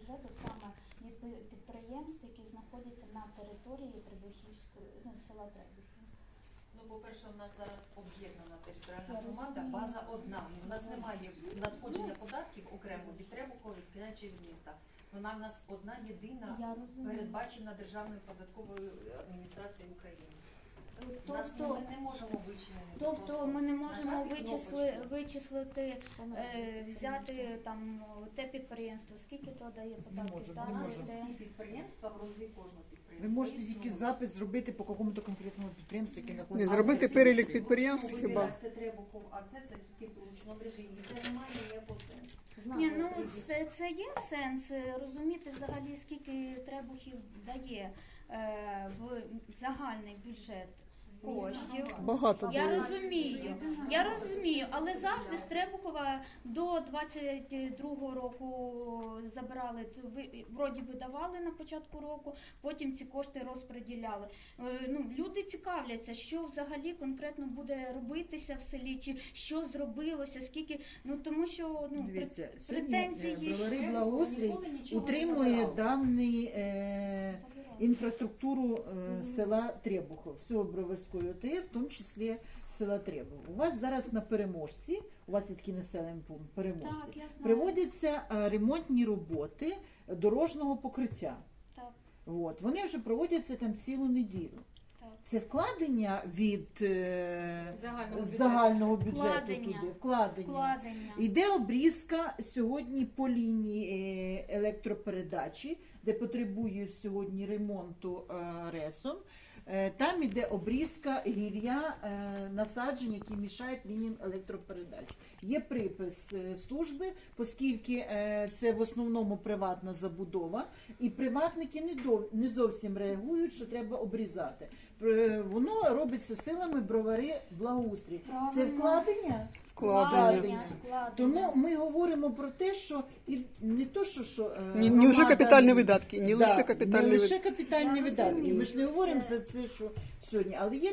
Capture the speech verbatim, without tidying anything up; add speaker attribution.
Speaker 1: бюджету саме від пи- підприємств, які знаходяться на території Требухівської, ну, села Требухів.
Speaker 2: Ну, по-перше, у нас зараз об'єднана територіальна
Speaker 1: Я
Speaker 2: громада,
Speaker 1: розумію.
Speaker 2: база одна. У нас немає надходження податків окремо від Требухова, від Кіна чи від міста. Вона в нас одна єдина,
Speaker 1: Я розумію.
Speaker 2: передбачена Державною податковою адміністрацією України. У нас
Speaker 1: Тобто,
Speaker 2: ми не можемо вичинити.
Speaker 1: тобто ми не можемо
Speaker 2: нажати
Speaker 1: вичисли,
Speaker 2: кнопочку.
Speaker 1: вичислити, е, взяти там те підприємство, скільки то дає податків,
Speaker 3: можемо,
Speaker 1: та,
Speaker 3: не
Speaker 2: У нас
Speaker 3: можемо.
Speaker 1: де-
Speaker 2: всі підприємства в розі кожного
Speaker 3: Ви
Speaker 2: підприємства.
Speaker 3: можете тільки
Speaker 2: існують.
Speaker 3: запис зробити по якомусь конкретному підприємству, яке
Speaker 4: Не
Speaker 3: знаходиться.
Speaker 4: зробити
Speaker 3: на
Speaker 4: перелік
Speaker 3: території.
Speaker 4: підприємств
Speaker 2: Ну,
Speaker 4: хіба?
Speaker 2: виділяє, Це Требухов, а це це тільки в ручному режимі. І це немає ніякого сенсу.
Speaker 1: Ні, ну це, це є сенс е, розуміти взагалі, скільки Требухів дає е, в загальний бюджет коштів.
Speaker 4: Багато
Speaker 1: Я
Speaker 4: дає.
Speaker 1: розумію, я розумію, але завжди з Требухова до двадцять другого року забирали, це ви- вроді би давали на початку року, потім ці кошти розподіляли. Е, Ну, люди цікавляться, що взагалі конкретно буде робитися в селі, чи що зробилося, скільки, ну тому що ну,
Speaker 3: Дивіться,
Speaker 1: пр-
Speaker 3: сьогодні е,
Speaker 1: претензії
Speaker 3: бровари
Speaker 1: ж-
Speaker 3: благоустрій
Speaker 2: Ніколи нічого не
Speaker 3: утримує
Speaker 2: забирав.
Speaker 3: даний е, інфраструктуру е, села Требухов, всього Броварської ОТГ, в тому числі села Требухов. У вас зараз на Переможці, у вас є такий населений пункт Переможці,
Speaker 1: Так, я знаю.
Speaker 3: приводяться е, ремонтні роботи дорожнього покриття.
Speaker 1: Так,
Speaker 3: От. Вони вже проводяться там цілу неділю.
Speaker 1: так.
Speaker 3: Це вкладення від е,
Speaker 5: Загального бюджету.
Speaker 3: загального бюджету
Speaker 1: Вкладення.
Speaker 3: туди, вкладення.
Speaker 1: Вкладення.
Speaker 3: Йде обрізка сьогодні по лінії е, електропередачі, де потребують сьогодні ремонту е, ресом. Е, Там іде обрізка гілля е, насаджень, які мішають лініям електропередач. Є припис е, служби, оскільки е, це в основному приватна забудова, і приватники не, дов- не зовсім реагують, що треба обрізати. Е, Воно робиться силами бровари благоустрій. Це
Speaker 1: Правильно.
Speaker 3: вкладення?
Speaker 4: Вкладення.
Speaker 1: Вкладення.
Speaker 3: Тому ми говоримо про те, що і не то, що, що е,
Speaker 4: Не, не лише
Speaker 3: громада-
Speaker 4: капітальні видатки, не
Speaker 3: Да,
Speaker 4: лише капітальні
Speaker 3: не
Speaker 4: видатки.
Speaker 3: лише капітальні
Speaker 1: Я
Speaker 3: видатки.
Speaker 1: розумію,
Speaker 3: Ми ж не говоримо
Speaker 1: це-
Speaker 3: за це, що сьогодні, але є